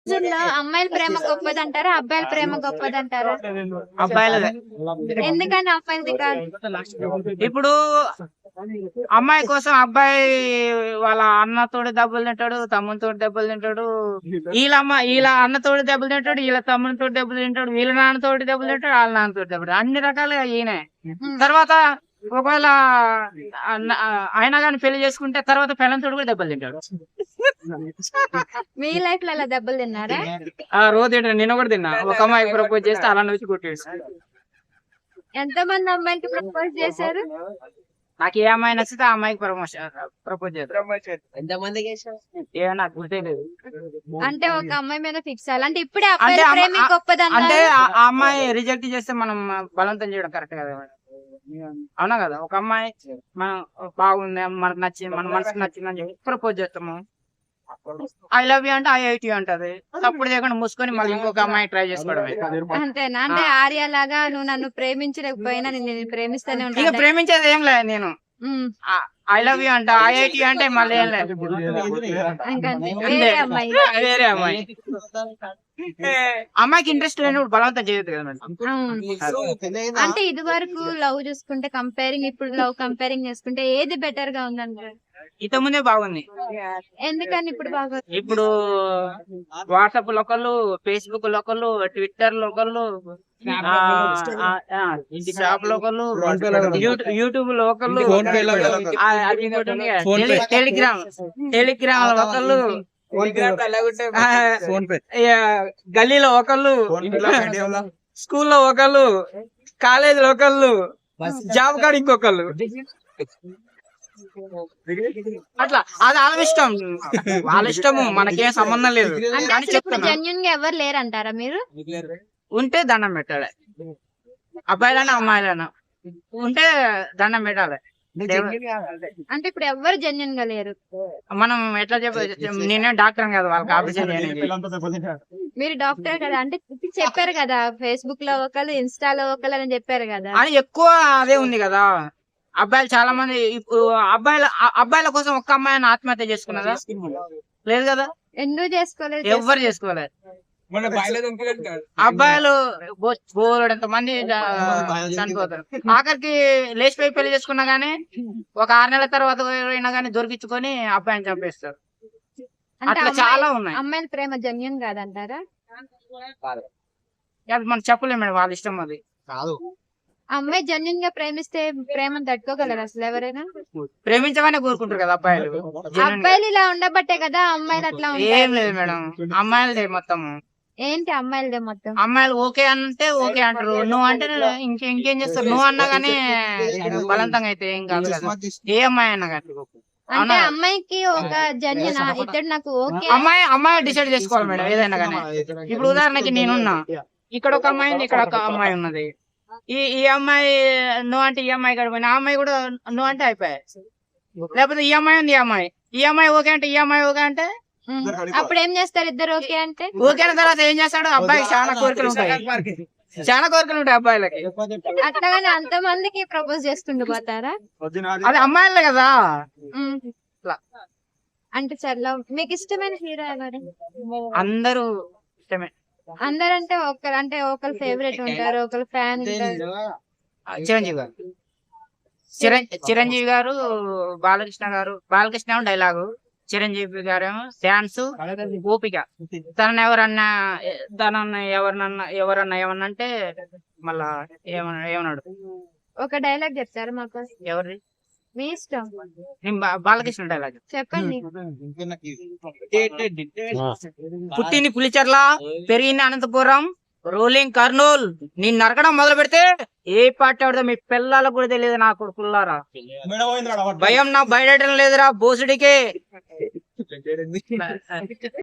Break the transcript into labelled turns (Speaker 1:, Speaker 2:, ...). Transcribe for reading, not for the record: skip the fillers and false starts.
Speaker 1: రోజుల్లో అమ్మాయిల ప్రేమ గొప్పదంటారా? అబ్బాయిల ప్రేమ గొప్పదంటారా?
Speaker 2: అబ్బాయిలదే.
Speaker 1: ఎందుకని అమ్మాయిలది కాదు?
Speaker 2: ఇప్పుడు అమ్మాయి కోసం అబ్బాయి వాళ్ళ అన్నతోటి దెబ్బలు తింటాడు, తమ్మునితోటి దెబ్బలు తింటాడు, వీళ్ళ అన్నతోటి దెబ్బలు తింటాడు, వీళ్ళ తమ్మునితోటి దెబ్బలు తింటాడు, వీళ్ళ నాన్నతోటి దెబ్బలు తింటాడు, వాళ్ళ నాన్నతోటి దెబ్బలు అన్ని రకాలుగా ఈయనే. తర్వాత ఒకవేళ ఆయన గాని పెళ్లి చేసుకుంటే తర్వాత పెళ్ళంతోటి కూడా దెబ్బలు తింటాడు.
Speaker 1: మీ లైఫ్ లో అలా దెబ్బలు తిన్నారా?
Speaker 2: రోజు తింటాడు. నిన్న కూడా తిన్నా. ఒక అమ్మాయికి ప్రపోజ్ చేస్తే అలా వచ్చి కొట్టేసి.
Speaker 1: ఎంత మంది అమ్మాయిలకి ప్రపోజ్ చేశారు?
Speaker 2: నాకు ఏ అమ్మాయి నచ్చితే ఆ అమ్మాయికి ప్రపోజ్ చేస్తాను. ఏమో నాకు గుర్తులేదు.
Speaker 1: అంటే ఒక అమ్మాయి మీద ఫిక్స్ అవ్వాలి అంటే ఇప్పుడే అబ్బాయిల ప్రేమ గొప్పదన్నా?
Speaker 2: అంటే ఆ అమ్మాయి రిజెక్ట్ చేస్తే మనం బలవంతం చేయడం కరెక్ట్ కదా. అవునా కదా. ఒక అమ్మాయి మనం బాగుంది, మనకు నచ్చింది, మన మనసుకు నచ్చిందని చెప్పి ప్రపోజ్ చేస్తాము. ఐ లవ్ యూ అంటే IIT అంటది. తప్పుడు చేయకుండా మూసుకొని మళ్ళీ ఇంకొక అమ్మాయి ట్రై చేసుకోవడమే.
Speaker 1: అంతేనా? అంటే ఆర్య లాగా నువ్వు నన్ను ప్రేమించలేకపోయినా నేను ప్రేమిస్తూనే
Speaker 2: ఇక
Speaker 1: ఉంటాను.
Speaker 2: ప్రేమించేది ఏం లేదు. నేను ఐ లవ్ యూ అంటే IIT అంటే మళ్ళీ ఏం లేదు.
Speaker 1: వేరే అమ్మాయి
Speaker 2: వేరే అమ్మాయి. అమ్మాయికి ఇంట్రెస్ట్ లేనప్పుడు బలవంతం చేయొద్దు కదా మేడం.
Speaker 1: అంటే ఇది వరకు లవ్ చూసుకుంటే కంపేరింగ్, ఇప్పుడు లవ్ కంపేరింగ్ చేసుకుంటే ఏది బెటర్ గా ఉందంటారు?
Speaker 2: ఇంత ముందే బాగుంది.
Speaker 1: ఎందుకని ఇప్పుడు బాగా?
Speaker 2: ఇప్పుడు వాట్సాప్ లో ఒకళ్ళు, ఫేస్బుక్ లో ఒకళ్ళు, ట్విట్టర్ లో ఒకళ్ళు, షాప్ లో ఒకళ్ళు, యూట్యూబ్ లో ఒకళ్ళు, టెలిగ్రామ్ లో ఒకళ్ళు, గల్లీలో ఒకళ్ళు, స్కూల్లో ఒకళ్ళు, కాలేజీలో ఒకళ్ళు, జాబ్ కాడ ఇంకొకళ్ళు. అట్లా అది వాళ్ళ ఇష్టం. వాళ్ళ ఇష్టము, మనకేం సంబంధం లేదు. కానీ చెప్తున్నా,
Speaker 1: జెన్యూన్ గా ఎవరు లేరంటారా మీరు?
Speaker 2: ఉంటే దండం పెట్టాలి. అబ్బాయిలైనా అమ్మాయిలైనా ఉంటే దండం పెట్టాలి.
Speaker 1: అంటే ఇప్పుడు ఎవరు జెన్యూన్ గా లేరు.
Speaker 2: మనం ఎట్లా నేనే డాక్టర్ కదా, వాళ్ళకి ఆపరేషన్ చేయడానికి.
Speaker 1: మీరు డాక్టర్ కదా, అంటే చెప్పారు కదా ఫేస్బుక్ లో ఒకళ్ళు, ఇన్స్టాలో ఒకళ్ళు అని చెప్పారు కదా.
Speaker 2: అని ఎక్కువ అదే ఉంది కదా. అబ్బాయిలు చాలా మంది ఇప్పుడు అబ్బాయిల కోసం ఒక్క అమ్మాయిని ఆత్మహత్య చేసుకున్నదా? లేదు కదా.
Speaker 1: ఎందుకు చేసుకోలేదు?
Speaker 2: ఎవ్వరు చేసుకోలేదు. అబ్బాయిలు బోలెడంత మంది చనిపోతారు. ఆఖరికి లేచిపోయి పెళ్లి చేసుకున్నా గానీ ఒక 6 నెలల తర్వాత అయినా గానీ దొరికించుకొని అబ్బాయిని చంపేస్తారు. అట్లా చాలా ఉన్నాయి.
Speaker 1: అమ్మాయిల ప్రేమ జెన్యూన్ కాదంటారా?
Speaker 2: అది మనం చెప్పలేము మేడం, వాళ్ళ ఇష్టం అది.
Speaker 1: అమ్మాయి జెన్యూన్ గా ప్రేమిస్తే ప్రేమను తట్టుకోగలరు అసలు ఎవరైనా?
Speaker 2: ప్రేమించమని కోరుకుంటారు కదా అబ్బాయిలు.
Speaker 1: అబ్బాయిలు ఇలా ఉండబట్టే కదా అమ్మాయిలు అట్లా
Speaker 2: ఏం లేదు మేడం, అమ్మాయిలదే మొత్తం.
Speaker 1: ఏంటి అమ్మాయిలదే మొత్తం?
Speaker 2: అమ్మాయిలు ఓకే అంటే ఓకే అంటారు, నువ్వు అంటే ఇంకేం చేస్తారు. నువ్వు అన్నా గానీ బలవంతంగా అయితే ఏం కాదు కదా, ఏ అమ్మాయి అన్నా కానీ.
Speaker 1: అంటే అమ్మాయికి ఒక జెన్యూన్ ఇద్దరు నాకు ఓకే,
Speaker 2: అమ్మాయి డిసైడ్ చేసుకోవాలి మేడం ఏదైనా కానీ. ఇప్పుడు ఉదాహరణకి నేనున్నా, ఇక్కడ ఒక అమ్మాయి ఉంది, ఇక్కడ ఒక అమ్మాయి ఉన్నది. ఈ అమ్మాయి నువ్వు అంటే ఈ అమ్మాయి గడిపోయిన, ఆ అమ్మాయి కూడా నువ్వు అంటే అయిపోయాయి. లేకపోతే ఈ అమ్మాయి ఉంది, ఈ అమ్మాయి ఓకే అంటే, ఈ అమ్మాయి ఓకే అంటే,
Speaker 1: అప్పుడు ఏం చేస్తారు ఇద్దరు ఓకే అంటే?
Speaker 2: ఓకే అయిన తర్వాత ఏం చేస్తాడు? అబ్బాయికి చాలా కోరికలు ఉంటాయి, అబ్బాయిలకి.
Speaker 1: అట్లాగానే అంత మందికి ప్రపోజ్ చేసుకుంటూ పోతారా?
Speaker 2: అది అమ్మాయిలే కదా.
Speaker 1: అంటే చల్ల మీకు ఇష్టమైన హీరో ఎవరు?
Speaker 2: అందరూ ఇష్టమే.
Speaker 1: అందరంటే ఒకరు ఫేవరెట్ ఉంటారు, ఒకరు ఫ్యాన్ ఉంటారు.
Speaker 2: చిరంజీవి గారు, చిరంజీవి గారు, బాలకృష్ణ డైలాగు, చిరంజీవి గారేమో డాన్స్, ఓపిక. తనని ఎవరన్నా ఏమన్నా అంటే మళ్ళా ఏమన్నాడు?
Speaker 1: ఒక డైలాగ్ చెప్తారా మాకు?
Speaker 2: ఎవరి?
Speaker 1: మీ ఇష్టం.
Speaker 2: బాలకృష్ణ డైలాగ్
Speaker 1: చెప్పండి.
Speaker 2: పుట్టింది పులిచెర్ల, పెరిగింది అనంతపురం, రోలింగ్ కర్నూల్. నేను నరకడం మొదలు పెడితే ఏ పార్టీ ఆడదో మీ పిల్లలకు కూడా తెలియదు నా కొడుకుల్లారా. భయం నా బయటం లేదురా బోసుడికే.